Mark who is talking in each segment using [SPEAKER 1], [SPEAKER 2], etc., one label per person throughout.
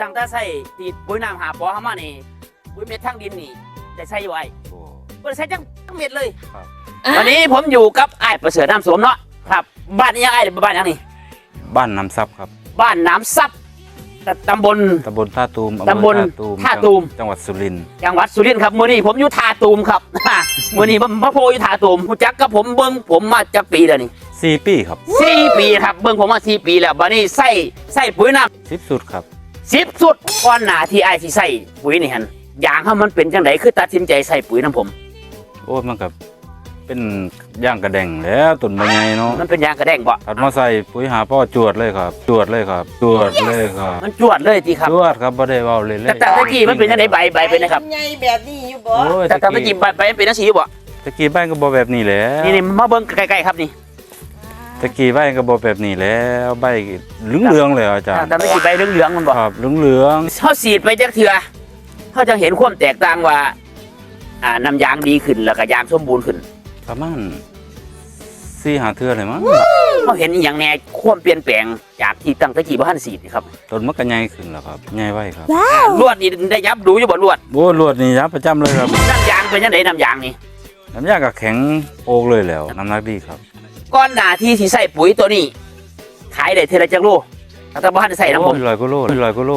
[SPEAKER 1] ตั้งแต่ใส่ที่ปุ๋ยน้ำหาปอเข้ามานี่ปุ๋ยเม็ดทั้งดินนี่ได้ใส่ไว้ก็ได้ใส่ทั้งเม็ดเลยวันนี้ผมอยู่กับไอ้ประเสริฐน้ำสวมเนาะครับบ้านนี้ยังไอ้บ้านยังนี่
[SPEAKER 2] บ้านน้ำซับครับ
[SPEAKER 1] บ้านน้ำซับตำบล
[SPEAKER 2] ท่าตูม
[SPEAKER 1] ตำบลท่าตูม
[SPEAKER 2] จังหวัดสุรินทร์
[SPEAKER 1] ครับมื้อนี้ผมอยู่ท่าตูมครับมื้อนี้พระโพอยู่ท่าตูมรู้จักกับผมเบิ่งผมมาจากปีแล้วนี่
[SPEAKER 2] 4 ปีครับ
[SPEAKER 1] 4 ปีครับเบิ่งผมมา4 ปีแล้วบัดนี้ใส่ปุ๋ยน้ำ
[SPEAKER 2] 10 สุดครับ
[SPEAKER 1] 10 สุดก่อนหน้าที่ไอ้สิใส่ปุ๋ยนี่หั่นยางเขามันเป็นจังไดคือตัดสินใจใส่ปุ๋ยน้ำผม
[SPEAKER 2] โอ้มันกับเป็นย่างกระแดงแล้วต้นใบใหญ่เนาะ
[SPEAKER 1] มันเป็นยางกระแดงบ่
[SPEAKER 2] ถัดมาใส่ปุ๋ยหาพ่อจวดเลยครับจวดเลยครับ
[SPEAKER 1] มันจวดเลยทีครับ
[SPEAKER 2] จวดครับบ่ได้เว้าเลย
[SPEAKER 1] แต่ตะกี้มันเป็นจังไดใบเป็นนะครับ
[SPEAKER 3] ใหญ่แบบนี้อยู่บ่
[SPEAKER 1] แต่ตะกี้ใบเป็นจังซี่อยู่บ่
[SPEAKER 2] ตะกี้ใบก็บ่แบบนี้แหละ
[SPEAKER 1] นี่มาเบิ่งใกล้ๆครับนี่
[SPEAKER 2] ตะกี้ใบก็บ่แบบนี้แล้วใบเหลืองๆเลยอาจารย์
[SPEAKER 1] แต่ตะกี้ใบเหลืองๆมันบ่
[SPEAKER 2] ครับเหลือง
[SPEAKER 1] ๆเฮาฉีดไปจักเทื่อเฮาจะเห็นความแตกต่างว่าน้ำยางดีขึ้นแล้วก็ยางสมบูรณ์ขึ้น
[SPEAKER 2] ประมาณ4-5 เทื่อเลยมั้ง
[SPEAKER 1] เขาเห็นอย่างแน่ความเปลี่ยนแปลงจากที่ตั้งตะกี้บ่ทันฉีดนี่ครับ
[SPEAKER 2] ต้นมันก็ใหญ่ขึ้นแล้วครับใหญ่ไว้ครับ
[SPEAKER 1] ลวดนี่ได้ยับดูอยู่บ่ลวด
[SPEAKER 2] โอ้ลวดนี่ยับประจำเลยครับ
[SPEAKER 1] น้ำยางเป็นจังไดน้ำยางนี่
[SPEAKER 2] น้ำยางก็แข็งโอกเลยแล้วน้ำหนักดีครับ
[SPEAKER 1] ก่อนหน้าที่สิใส่ปุ๋ยตัวนี้ขายได้เท่าไรจักโลแต่บ่ทันใส่น้ำผม
[SPEAKER 2] 100 กว่าโล100 กว่าโล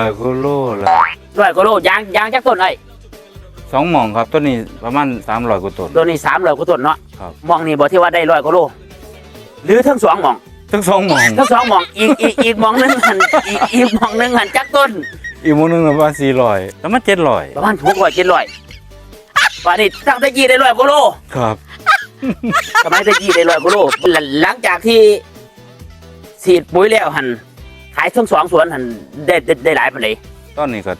[SPEAKER 1] ยางจักต้นไอ้
[SPEAKER 2] 2 หม่องครับต้นนี้ประมาณ300 กว่าต้น
[SPEAKER 1] ตัวนี้300 กว่าต้นเนาะ
[SPEAKER 2] ครับ
[SPEAKER 1] หม่องนี่บ่ที่ว่าได้100 กว่าโลหรือทั้ง2 หม่อง
[SPEAKER 2] ทั้ง2 หม่อง
[SPEAKER 1] อีกหม่องนึงหั่นอีกหม่องนึงหั่นจักต้น
[SPEAKER 2] อีกหม่องนึงประมาณ400แล้วมัน700
[SPEAKER 1] ประมาณ600 700ว่านี่ตั้งแต่กี้ได้100 กว่าโล
[SPEAKER 2] ครับ
[SPEAKER 1] สมัยตะกี้ได้100 กว่าโลหลังจากที่ฉีดปุ๋ยแล้วหั่นขายทั้ง2 สวนหั่นได้หลายปานใด
[SPEAKER 2] ตอนนี้ก็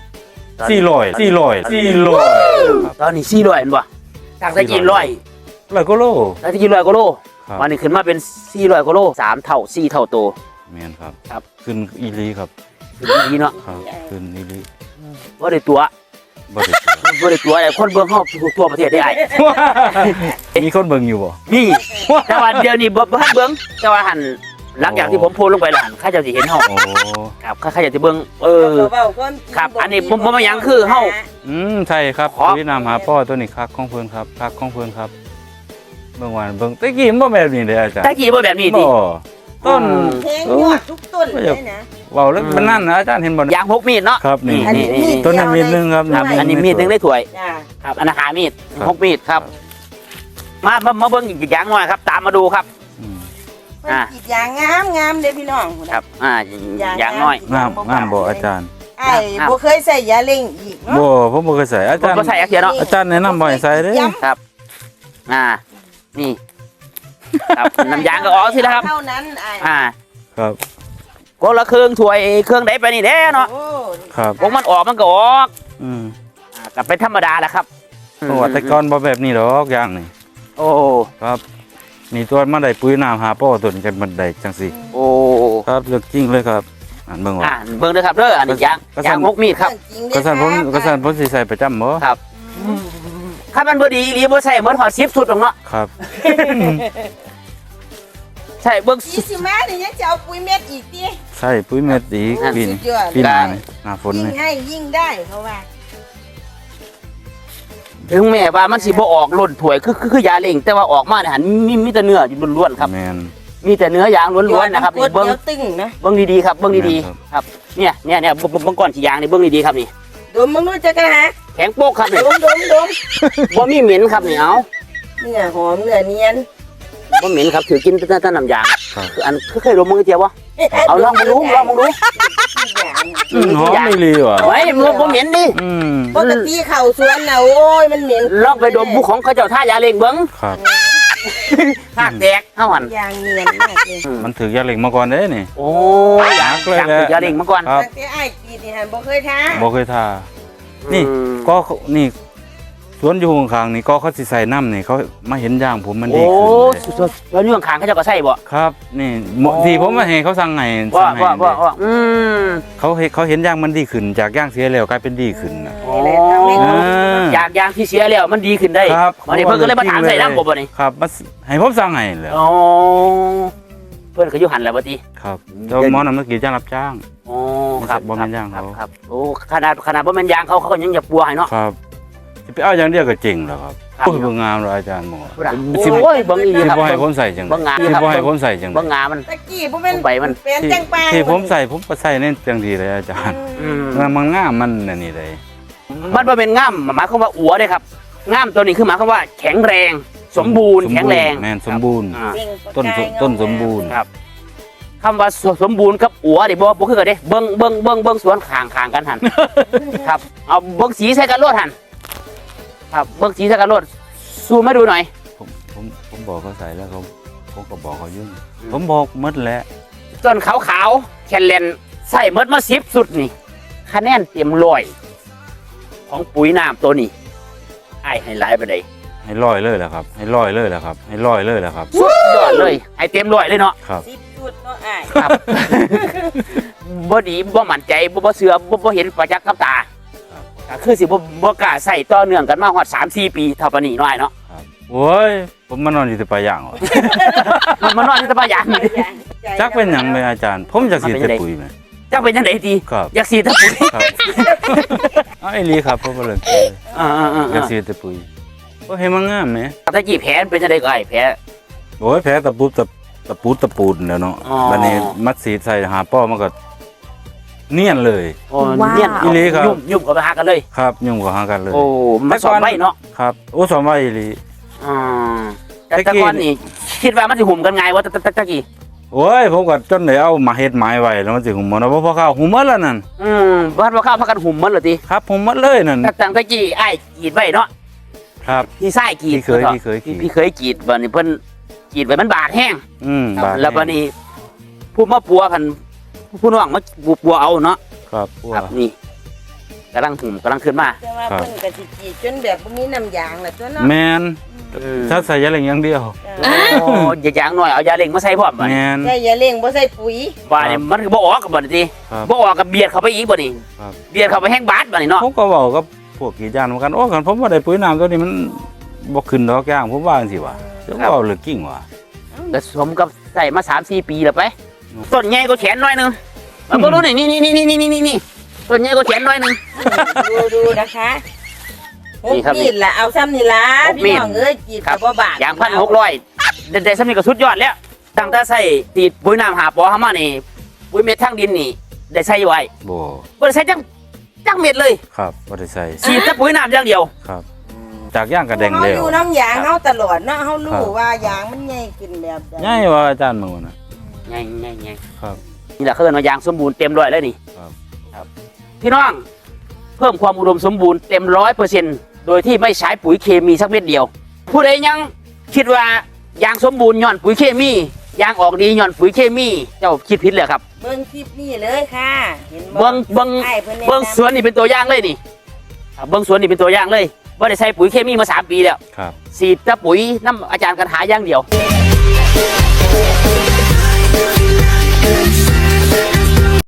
[SPEAKER 2] 400
[SPEAKER 1] ตอนนี้400เห็นบ่ตั้งแต่กี้100
[SPEAKER 2] กว่าโล
[SPEAKER 1] ตั้งแต่กี้100 กว่าโลวันนี้ขึ้นมาเป็น400 กว่าโล3 เท่า4 เท่าโต
[SPEAKER 2] แม่นครับ
[SPEAKER 1] ครับ
[SPEAKER 2] ขึ้นอีหลีครับ
[SPEAKER 1] ขึ้นอีหลีเนาะ
[SPEAKER 2] ครับขึ้นอีหลี
[SPEAKER 1] บ่ได้ตัวไอ้คนเบิ่งเฮาทั่วประเทศได้ไอ้
[SPEAKER 2] มีคนเบิ่งอยู่บ่
[SPEAKER 1] มีแต่ว่าเดี๋ยวนี้บ่ทันเบิ่งแต่ว่าหั่นหลังจากที่ผมโพสลงไปแล้วหั่นใครจะสิเห็นเฮาครับใครจะสิเบิ่งครับอันนี้ผมบ่หยังคือเฮา
[SPEAKER 2] ใช่ครับพี่นำหาพ่อตัวนี้คักของเพิ่นครับคักของเพิ่นครับเบิ่งว่าเบิ่งตะกี้บ่แบบนี้เด้อาจารย์
[SPEAKER 1] ตะกี้บ่แบบนี้ติ
[SPEAKER 2] ต้น
[SPEAKER 3] แทงยอดทุกต้นเลยนะ
[SPEAKER 2] เว้าแล้วมันนั่นนะอาจารย์เห็นบ่
[SPEAKER 1] ยาง6 มีดเนาะ
[SPEAKER 2] ครับนี่ต้นนั้นมีดนึงครับ
[SPEAKER 1] อันนี้มีดนึงได้ถ้วยครับอันนั้นหามีด6 มีดครับมาเบิ่งอีกอย่างหน่อยครับตามมาดูครับ
[SPEAKER 3] อีกอย่างงามเด้อพี่น้อง
[SPEAKER 1] ครับอย่างน้อย
[SPEAKER 2] งามบ่อาจารย์
[SPEAKER 3] ไอ้บ่เคยใส่ยาเล่งอีกเนาะ
[SPEAKER 2] บ่ผมบ่เคยใส่อาจารย์
[SPEAKER 1] บ่ใส่เนาะ
[SPEAKER 2] อาจารย์แนะนำบ่ให้ใส่เด้
[SPEAKER 1] ครับนี่ครับน้ำยางก็ออกสิแล้วครับ
[SPEAKER 3] เท่านั้น
[SPEAKER 2] ครับ
[SPEAKER 1] ก็ละเครื่องถ้วยเครื่องใดไปนี่แน่เนาะ
[SPEAKER 2] ครับ
[SPEAKER 1] วงมันออกมันก็ออกกับเป็นธรรมดาแหละครับ
[SPEAKER 2] โอ้แต่ก่อนบ่แบบนี้ดอกอย่างนี่
[SPEAKER 1] โอ้
[SPEAKER 2] ครับนี่ตัวมาได้ปุ๋ยน้ำหาพ่อต้นกันมันได้จังสิ
[SPEAKER 1] โอ้
[SPEAKER 2] ครับเลือกจริงเลยครับเบิ่งว่า
[SPEAKER 1] เบิ่งเลยครับเด้ออันนี้ยาง6 มีดครับ
[SPEAKER 2] กระสันผมสิใส่ประจำบ่
[SPEAKER 1] ครับถ้ามันบ่ดีอีหลีบ่ใส่เหมือนหอด10 สุดหรอกเนาะ
[SPEAKER 2] ครับ
[SPEAKER 1] ใช่เบิ่ง
[SPEAKER 3] สิมานี่ยังจะเอาปุ๋ยเม็ดอีกติ
[SPEAKER 2] ใช่ปุ๋ยเม็ดอีกปีหน้านี่หน้าฝนนี่
[SPEAKER 3] ยิ่งได้เพราะว่า
[SPEAKER 1] ถึงแม้ว่ามันสิบ่ออกล้นถ้วยคือยาเล่งแต่ว่าออกมาเนี่ยหันมีแต่เนื้ออยู่ล้วนๆครับ
[SPEAKER 2] แม่น
[SPEAKER 1] มีแต่เนื้อยางล้วนๆนะครับ
[SPEAKER 3] นี่เบิ่งตึงนะ
[SPEAKER 1] เบิ่งดีๆครับเบิ่งดีๆครับเนี่ยเบิ่งก้อนขี้ยางนี่เบิ่งดีๆครับนี่
[SPEAKER 3] ดมมึงรู้จักกันฮะ
[SPEAKER 1] แข็งโป๊กครับนี่
[SPEAKER 3] ดม
[SPEAKER 1] บ่มีเหม็นครับนี่เอา
[SPEAKER 3] เนื้อหอมเนื้อเนียน
[SPEAKER 1] บ่เหม็นครับถือกินแต่น้ำยางคืออันเคยดมมึงเจียวบ่เอาลองมึงดู
[SPEAKER 2] หอมไม่ลีว่ะ
[SPEAKER 1] ไว้บ่เหม็นดิ
[SPEAKER 3] ปกติเข้าสวนน่ะโอ้ยมันเหม็น
[SPEAKER 1] ลองไปดมบุของเขาเจ้าท่ายาเล่งเบิ่ง
[SPEAKER 2] ครับ
[SPEAKER 1] หากแตกเฮาหั่น
[SPEAKER 3] ยางเนียนมากเลย
[SPEAKER 2] มันถือยาเล่งมาก่อนเด้นี่
[SPEAKER 1] โอ้ยากเลยยาเล่งมาก่อน
[SPEAKER 3] แต่ไอ้กีนี่หั่นบ่เคยทา
[SPEAKER 2] นี่ก็นี่สวนอยู่ข้างๆนี่ก็เขาสิใส่น้ำนี่เขามาเห็นย่างผมมันดีขึ้น
[SPEAKER 1] เลยแล้วนี่ข้างๆเขาจะก็ใส่บ่
[SPEAKER 2] ครับนี่ที่ผมมาเห็นเขาสั่งไงเขาเห็นย่างมันดีขึ้นจากย่างเสียแล้วกลายเป็นดีขึ้นนะ
[SPEAKER 1] จากย่างที่เสียแล้วมันดีขึ้นได้วันนี้เพิ่นก็เลยมาถามใส่น้ำบ่นี่
[SPEAKER 2] ครับให้ผมสั่งไงเลย
[SPEAKER 1] เพิ่นก็อยู่หันแล้วบ่ติ
[SPEAKER 2] ครับเจ้าหมอน้ำนักกีจ้างรับจ้าง
[SPEAKER 1] อ๋อครับ
[SPEAKER 2] บ่แม่นยางเขา
[SPEAKER 1] ครับโอ้ขนาดบ่แม่นยางเขาก็ยังอย่าปัวให้เนาะ
[SPEAKER 2] ครับสิไปเอาอย่างเดียวก็เจ๋งแล้วครับ
[SPEAKER 1] ครับ
[SPEAKER 2] โอ้ยบ่งามเลยอาจารย์หมอ
[SPEAKER 1] โอ้ยเบิ่งอีหลี
[SPEAKER 2] สิ
[SPEAKER 1] ครับ
[SPEAKER 2] บ่ให้ผมใส่จัง
[SPEAKER 1] เบิ่งงาม
[SPEAKER 2] สิบ่ให้ผมใส่จัง
[SPEAKER 1] เบิ่งงามมัน
[SPEAKER 3] ตะกี้บ่แม่น
[SPEAKER 1] ใบมัน
[SPEAKER 3] เป็นจังปาง
[SPEAKER 2] ที่ผมใส่ผมก็ใส่ในจังดีเลยอาจารย์
[SPEAKER 1] อืม
[SPEAKER 2] มันงามมันอันนี่เลย
[SPEAKER 1] มันบ่เป็นง่ามหมายความว่าอัวเด้ครับง่ามตัวนี้คือหมายความว่าแข็งแรง สมบูรณ์แข็งแรง
[SPEAKER 2] แม่นสมบูรณ์
[SPEAKER 1] อ่า
[SPEAKER 3] เบ่งประ
[SPEAKER 2] ต้น
[SPEAKER 3] กาย
[SPEAKER 2] ต้น
[SPEAKER 3] เงา
[SPEAKER 2] สมบูรณ์
[SPEAKER 1] ครับ คำว่าสมบูรณ์กับอัวนี่บ่คือกันเด้เบิ่งสวนข้างกันหัน ครับเอาเบิ่งสีใส่กันโลดหันครับเบิ่งสีใส่กันโลดซูมให้ดูหน่อย
[SPEAKER 2] ผมบอกเขาใส่แล้วผมก็บอกเขายุ่งผมบอกหมดแล้ว
[SPEAKER 1] ต้นขาวๆแคนเลนใส่หมดมา10สุดนี่คะแนนเต็ม100ของปุ๋ยน้ำตัวนี้ไอ้ให้หลายไปได้
[SPEAKER 2] ให้ร้อยเลยแหละครับ ให้ร้อยเลยแหละครับ ให้ร้อยเลยแหละครับ
[SPEAKER 1] สุดยอดเลยให้เต็ม100เลยเนาะ
[SPEAKER 2] ครับ
[SPEAKER 3] 10จุดเนาะอ้าย
[SPEAKER 1] ครับ บ่ดีบ่มั่นใจบ่เชื่อบ่เห็นประจักษ์กับตา
[SPEAKER 2] ครับ
[SPEAKER 1] ก็คือสิบ่กล้าใส่ต่อเนื่องกันมาฮอด 3-4 ปีเท่าปานนี้น้อยเนาะ
[SPEAKER 2] ครับโอ้ยผมมานอนอยู่แต่ปลายอย่างวะ
[SPEAKER 1] มันนอนอยู่แต่ป่าอย่างนี่
[SPEAKER 2] จักเป็นหยังไหมอาจารย์ ผมอยากสีแต่ปุ๋ยไหม
[SPEAKER 1] จักเป็นจังได๋ดี
[SPEAKER 2] ครับ
[SPEAKER 1] อยากสีแต่ปุ๋ย
[SPEAKER 2] ครับเอาไอ้ลีครับผมก็เลย อยากสีแต่ปุ๋ยก็ให้มันงามไหม
[SPEAKER 1] ตะกี้แผลเป็นจังได๋ก็ไอ้แผล
[SPEAKER 2] โอ้ยแผลตะปูตะปูนแล้วเนาะ
[SPEAKER 1] อ๋อ
[SPEAKER 2] บัดนี้มัดสีใส่หาป้อมันก็เนียนเลย
[SPEAKER 1] โอ้เนียน
[SPEAKER 2] อีหลีครับ
[SPEAKER 1] ยุ่มเข้าไปหากันเลย
[SPEAKER 2] ครับยุ่งกับหากันเลย
[SPEAKER 1] โอ้มันสอนไว้เนาะ
[SPEAKER 2] ครับโอ้สอนไว้อีหลี
[SPEAKER 1] อ่าแต่ก่อนนี่คิดว่ามันสิหุ่มกันง่ายว่าตะกี้
[SPEAKER 2] โอ้ยผมก็จนได้เอามาเฮ็ดไม้ไว้แล้วมันสิหุ่มหมดเนาะเพราะข้าวหุ่มหมดแล้วนั่น
[SPEAKER 1] บ้านว่าข้าวพากันหุ่มมันเหรอติ
[SPEAKER 2] ครับหุ่มหมดเลยนั่น
[SPEAKER 1] ตั้งตะกี้ไอ้กรีดไว้เนาะ
[SPEAKER 2] ครับ
[SPEAKER 1] พี่ชายกรีด
[SPEAKER 2] พี่เคยขี่
[SPEAKER 1] พี่เคยกรีดบัดนี้เพิ่นกรีดไว้มันบาดแห้ง
[SPEAKER 2] บาด
[SPEAKER 1] แล้วบัดนี้ผู้มาปัวพันผู้น้องมาปัวเอาเนาะ
[SPEAKER 2] ครับ
[SPEAKER 1] ครับนี่กำลังหุ่มกำลังขึ้นมา
[SPEAKER 3] แต่ว่าเพิ่นก็สิกรีดจนแบบบ่มีน้ำยางล่ะตัวเนาะ
[SPEAKER 2] แมนถ้าใส่ยาเหล็กอย่างเดียว
[SPEAKER 1] โอ้ยอย่าอย่างหน่อยเอายาเล็งมาใส่พร้อมบัด
[SPEAKER 2] แม
[SPEAKER 1] นี้
[SPEAKER 2] น
[SPEAKER 3] ใช่อย่าเร่งบ่ใส่ปุ๋ย
[SPEAKER 1] บัดนี้มันก็บ่ออกกับบัดนี้ติ
[SPEAKER 2] ครับ
[SPEAKER 1] บ่ออกกับเบียดเข้าไปอีกบัดนี้
[SPEAKER 2] ครับ
[SPEAKER 1] เบียดเข้าไปแห้งบาดบัดนี้เนาะ
[SPEAKER 2] ผมก็บอกกับพวกกรีดยางเหมือนกันโอ้กันผมว่าได้ปุ๋ยน้ำตัวนี้มันบ่ขึ้นดอกย่างผมว่าจังซี่ว่ะจะว่าเหลือกิ่งว่ะ
[SPEAKER 1] ก็สมกับใส่มา 3-4 ปีแล้วไปต้นใหญ่ก็แขนหน่อยนึงมาบ่รู้นี่ต้นใหญ่ก็แขนหน่อยนึง
[SPEAKER 3] ดูนะคะห
[SPEAKER 1] นี่
[SPEAKER 3] ก
[SPEAKER 1] ครับ
[SPEAKER 3] มีดล่ะเอาซ้ำนี่ล่ะ
[SPEAKER 1] หกมี
[SPEAKER 3] พี่
[SPEAKER 1] ด
[SPEAKER 3] น้องเอ้ยกรีด
[SPEAKER 1] ครั
[SPEAKER 3] ก็
[SPEAKER 1] บ
[SPEAKER 3] บ่บาด
[SPEAKER 1] อย่าง1,600ได้สำนี้ก็สุดยอดแล้วตั้งแต่ใส่ตีดปุ๋ยน้ำหาปอเฮามานี่ปุ๋ยเม็ดทางดินนี่ได้ใส่ไว้
[SPEAKER 2] บ่
[SPEAKER 1] บ่ได้ใส่จังเม็ดเลย
[SPEAKER 2] ครับบ่ได้ใส่
[SPEAKER 1] ฉีดแต่ปุ๋ยน้ำอย่างเดียว
[SPEAKER 2] ครับ จากย่างกระแดง
[SPEAKER 3] เฮา
[SPEAKER 2] แล้
[SPEAKER 3] อ
[SPEAKER 2] ว
[SPEAKER 3] ยู่น้ำยางเฮาตลอดเนาะเฮารู้
[SPEAKER 2] ครับ
[SPEAKER 3] ว่ายางมันใหญ่ขึ้นแบบใด
[SPEAKER 2] ง่ายว่าอาจารย์มึงน่ะ
[SPEAKER 1] ไง
[SPEAKER 2] ครับ
[SPEAKER 1] นี่แหละเขาเรียกว่ายางสมบูรณ์เต็มร้อยเลยนี่
[SPEAKER 2] ครับ
[SPEAKER 1] พี่น้องเพิ่มความอุดมสมบูรณ์เต็ม100%โดยที่ไม่ใช้ปุ๋ยเคมีสักเม็ดเดียว ผู้ใดยังคิดว่ายางสมบูรณ์ย้อนปุ๋ยเคมียางออกดีย้อนปุ๋ยเคมีเจ้าคิดผิดเลยครับ
[SPEAKER 3] เบิ่งคลิปนี้เลยค่ะ เห็นบ่
[SPEAKER 1] เบิ้ง
[SPEAKER 3] อ้ายเพิ่นแนะนำ
[SPEAKER 1] เบิ้งสวนนี่เป็นตัวอย่างเลยนี่เบิ้งสวนนี่เป็นตัวอย่างเลยว่าได้ใช้ปุ๋ยเคมีมา3 ปีแล้ว
[SPEAKER 2] ครับ
[SPEAKER 1] ฉีดแต่ปุ๋ยน้ำอาจารย์กันหาอย่างเดียว
[SPEAKER 3] เ